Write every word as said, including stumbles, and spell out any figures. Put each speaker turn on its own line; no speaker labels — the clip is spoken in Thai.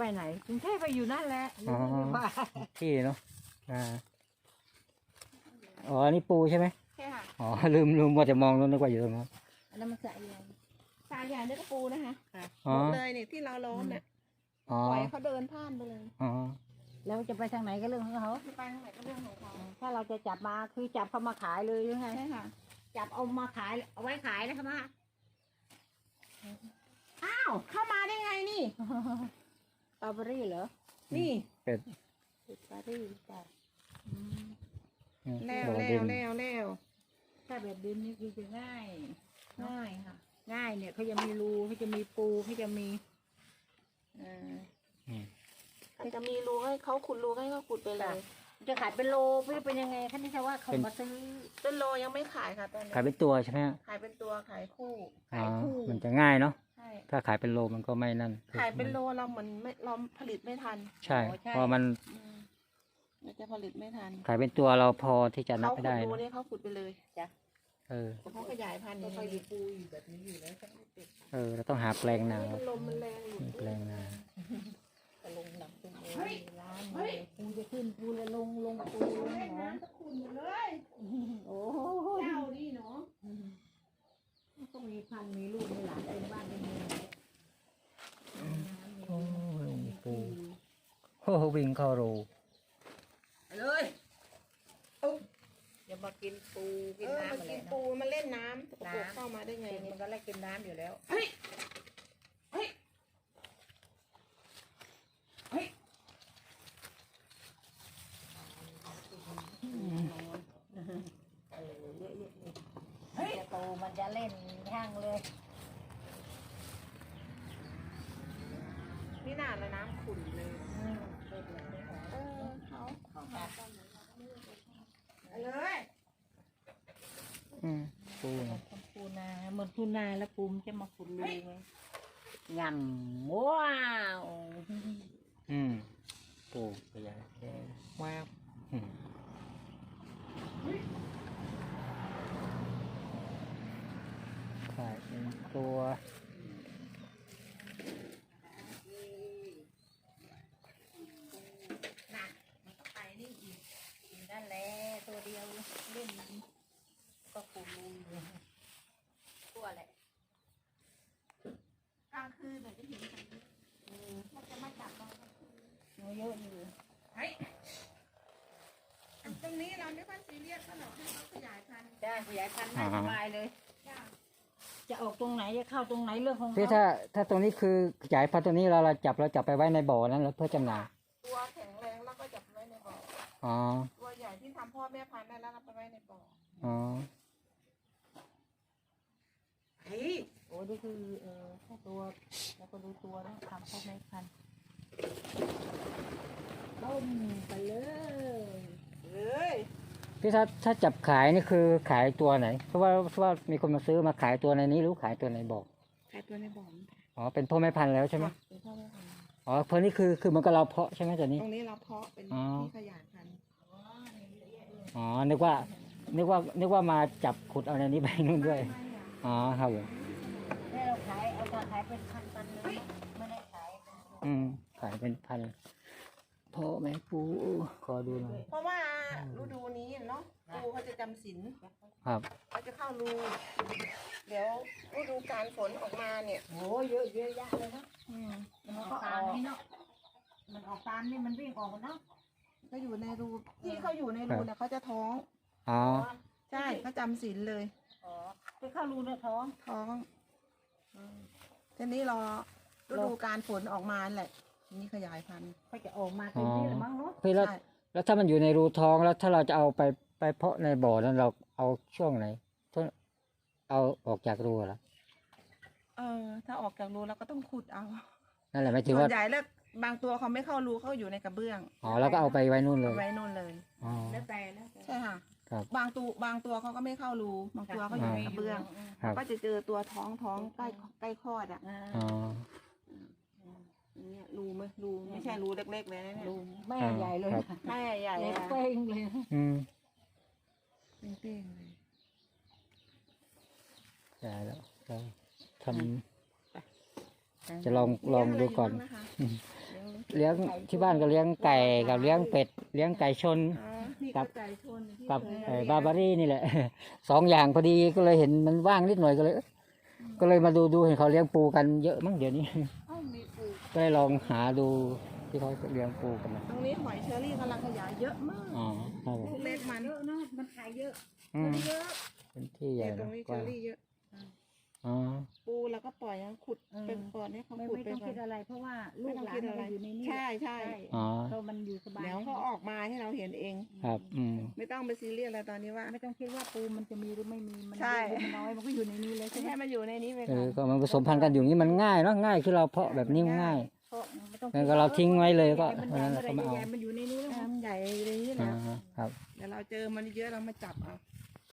ไหนกรุงเทพไปอยู่นั่นแหละ
อ๋อที่เนาะอ่าอ๋ออันนี้ปูใช่ไหม
ใช่ค่ะ
อ๋อลืมลืมว่าจะมองนู้นนึกว่าอยู่ตรงนั้น
อันนั้นมันสระใหญ่
สายใหญ่นี่ก็ปูนะคะ
อ๋อ
หมดเลยเนี่ยที่เราล้อมเนี่ย
อ๋อ
ปล่อยเขาเดินผ่านไปเลย
อ๋อ
แล้วจะไปทางไหนก็เรื่องของเขา
จะไปทางไหนก็เรื่องของเขา
ถ้าเราจะจับมาคือจับเขามาขายเลยยังไง
ใช่ค่ะ
จับเอามาขายเอาไว้ขายนะครับมา
อ้าวเข้ามาได้ไงนี่
สตรอเบอรี่เหรอ
นี่
เป็ด
สตรอเบอรี่จ้ะ
แล้ว
บ่อ
แล้
ดิ
วน แล้วแล้ว
ถ้าแบบดินนี่คือจะง่าย
ง่ายค่ะ
ง่ายเนี่ยเขาจะมีรูเขาจะมีปูเขาจะมีเอ่อ
อืม
อาจจะมีรูให้เขาขุดรูให้เขาขุดไปเลย
จะขายเป็นโลไม่เป็นยังไงคันนี้ใช่ว่าเขามาซื้อ
เป็นโลยังไม่ขายค่ะตอนนี้
ขายเป็นตัวใช่ไหมฮะ
ขายเป็นตัวขายคู่
อ๋อ
ขายคู่
มันจะง่ายเนาะ
ใช่
ถ้าขายเป็นโลมันก็ไม่นั่น
ขายเป็นโลเราเหมือนไม่เราผลิตไม่ทัน
ใช่เพราะมัน
อืมเราจะผลิตไม่ทัน
ขายเป็นตัวเราพอที่จะนับ
เขา
ไม่
ขุ
ได้
ดรู
เนอะ
เนี่ยเขาขุดไปเลย
จ้ะ
เออ
เขาขยายพันธุ์อย่าง
ค่อยมี
นี้
ปูอยู่แบบนี้อยู่แล้ว
เออเราต้องหาแปลงนา
มันลมมันแรงอยู่
แปลงนา
จะลงหนักเป็นโอ้ยร้านเลยปูจะขึ้นปูเลยลงลงปูลงหนอง
ขุ่นเลย
โอ้
เจ้านี่เนาะ
ต้องมีพันมีลูกมีหลานเป็นบ้านเป็นเมือง
โอ้ยปูโอ้โหวิ่งเข้ารู
เลยอุ๊บ
อย่ามากินปูกิ
เอน อ
น้ำ
มัน
อะไร
กิน
นะ
ปูมันเล่นน้ำตกกเข้ามาได้ไง
มันก็ไล่กินน้ำอยู่แล้ว
เฮ้ยเฮ้ยเฮ้ย
เออเยอะๆเลยจะโตมันจะเล่นห้างเลย
นี่น่าแล้วน้ำขุ่นเลย
อืมเล่นเลยไม่หอ
เออเขา
ของกัน
ไปเลย
อืมปูเนอะ
ปูนาเหมือนปูนาแล้วปูมนจะมาขุดรูไงยำว้าว
อืมปูขยายแค่แวบอืมขายเป็นตัว
น่ะมันก็ไปนี่อีกนั่นแหละตัวเดียวเล่นก็ปูรูอยู่ตัวแหละ
กลางคืนเดี๋ยวจะเห็นกันมันจะมาจับเรา
เยอะอยู่
เฮ้ยตรงนี้เราไม่ค่อยซีเรียสก็หรอกให้เขาขยายพันธุ์
ได้ขยายพันธุ์ได้สบายเลย
จ้า
จะออกตรงไหนจะเข้าตรงไหนเรื่องของ
พี่
เขา
ถ้าถ้าตรงนี้คือขยายพันธุ์ตัวนี้เราเราจับเราจับไปไว้ในบ่อนั้นแล้วเพื่อจำหน่าย
ตัวแข็งแรงแล้วก็จับไว้ในบ่อ
อ๋อ
ตัวใหญ่ที่ทำพ่อแม่พันธุ์ได้แล้วเราไปไว้ในบ่อ
อ๋อ
เฮ้ย
โอ้นี่คือเออแค่ตัวแล้วก็ดูตัวแล้วทำพ่อแม่พันธุ์ต้มไปเลย
เลย
พี่ถ้าถ้าจับขายนี่คือขายตัวไหนเพราะว่าเพราะว่ามีคนมาซื้อมาขายตัวในนี้หรือขายตัวในบ่อ
ขายตัวในบ่อ
อ๋อเป็นพ่อแม่พันธุ์แล้วใช่ไหม
เป็นพ่อแม่พันธุ์
อ๋อเพราะนี่คือคือเหมันก็เราเพาะใช่ไหมตัวนี้
ตรงนี้เราเพาะเป็น
อ๋อ
ที่ขยายพันธุ์
อ๋อนึกว่านึกว่านึกว่ามาจับขุดเอาในนี้ไปนู่นด้วย
ไม่อะ
อ๋อครับผม
นี่เราขายเอามาขายเป็นพันตันเลยไม่ได้ขายเป็น
อืมขายเป็นพันพ่อแม่ปูขอดูหน่อย
เพราะว่าฤดูนี้เนาะปูเขาจะจำศีล
ครับ
เขาจะเข้ารูเดี๋ยวฤดูการฝนออกมาเนี่ย
โอ้เยอะเยอะแยะเลยเนาะ
อืม
มันออกตามนี่เนาะมันออกตามนี่มันวิ่งออกเนาะ
ก็อยู่ในรูที่เขาอยู่ในรูเนี่ยเขาจะท้อง
อ๋อ
ใช่เขาจำศีลเลย
อ๋อไปเข้ารูในท้อง
ท้องทีนี้รอฤดูการฝนออกมาแหละทีนี้ขยายพันธุ์
เขาจะออกมาเต็มที่หรือมั้งเนาะ
พี่แล้ว
ใช่
แล้วถ้ามันอยู่ในรูท้องแล้วถ้าเราจะเอาไปไปเพาะในบ่อนั้นเราเอาช่วงไหนช่วงเอาออกจากรูเหรอ
เออ ถ้าออกจากรูเราก็ต้องขุดเอา
นั่นแหละหมายถึง
ส่ว
ว่าน
ใหญ่แล้วบางตัวเขาไม่เข้ารูเขาอยู่ในกระเบื้อง
อ๋อแล้วก็เอาไปไว้นู่นเล
เอา
ย
ไว้นู่นเลย
อ๋อ
แล้วแต่แล้วแต่
ใช่ค่ะ
ครับ
บางตัวบางตัวเขาก็ไม่เข้ารูบางตัวเขาอยู่ในกระเบื้อง
ครับ
ก็จะเจอตัวท้องท้องใกล้ใกล้คลอดอ่ะ
อ่า
อ๋อ
อย่างเงี้ยรูไหมรูไม่ใช่รูเล็กๆเลยนะเนี่ย
รูแม่ใหญ่เลย
ครับ
แม่ใหญ่
ใหญ่
อะ
เป้งเลย
อืม
เป้งๆเลย
ใช่แล้วเราทำจะลองลองดูก่อน
เลี้ยงอะไรอยู่บ้างนะคะเลี้ยง
เลี้ยงที่บ้านก็เลี้ยงไก่กับเลี้ยงเป็ดเลี้ยงไก่ชน
อ๋อ
นี่
กั
ก็
บ
ไก่ชนที่
กับ
เคย
เอ่อบาร์บารี่นี่แหละ สองอย่างพอดีก็เลยเห็นมันว่างนิดหน่อยก็เลยเอ๊ะก็เลยมาดูดูเห็นเขาเลี้ยงปูกันเยอะมั้งเดี๋ยวนี้
เอ้ามีปู
ก็เลยลองหาดูที่เขาเลี้ยงปูกันนะ
ตรงนี้หอยเชอรี่กำลังขยายเยอะมาก
อ๋อครับผม
ลูกเล็กมัน
เยอะเนาะมันขายเยอะ
อืม
เยอะ
เป็นที่ใหญ่
เนี่ยตร
นะ
งนี้
ก
เช
ว้า
อง รี่เยอะ
อ๋อ
ปูแล้วก็ปล่อยยังขุด
เออ
เป็นก่อนให้เขา
ไม่
ขุด
ไม่
ไป
ต้อง
ก่อ
คิด
น
อะไร เพราะว่าลู
ไม่
ก
ต้อง
หลาน
คิด
มั
อะไร
นอยู่ในนี้
ใช่ใช่
อ๋อ
เรามันอยู่สบาย
เดี๋ยวเขาออกมาให้เราเห็นเอง
ครับ อืม
ไม่ต้องไปซีเรียสอะไรตอนนี้ว่า
ไม่ต้องคิดว่าปูมันจะมีหรือไม่มีมัน
ใช่
เยอะหรือมันน้อยมันก็อยู่ในนี้เลย
ไม่
ใช่ไหม
ใช่มันอยู่ในนี้ไป
เอ
ก่อ
อน ก็มันผสมพันธุ์กันอยู่อย่างนี้มันง่ายเนาะง่ายคือเราเพาะแบบนี้มันง่าย
เพราะไม่ต้อง
งั้นก็เราทิ้งไว้เลยก็
มัน
วัน
ใหญ่
นั้น
เมื่อไห
เรา
ร่
ก็มาเอา
ใหญ่ๆมันอยู่ในนี้แล้ว
น้ำใหญ่ในนี้
อ่า
แล้ว
ครับ
เดี๋ยวเราเจอมันเยอะเรามาจับเอา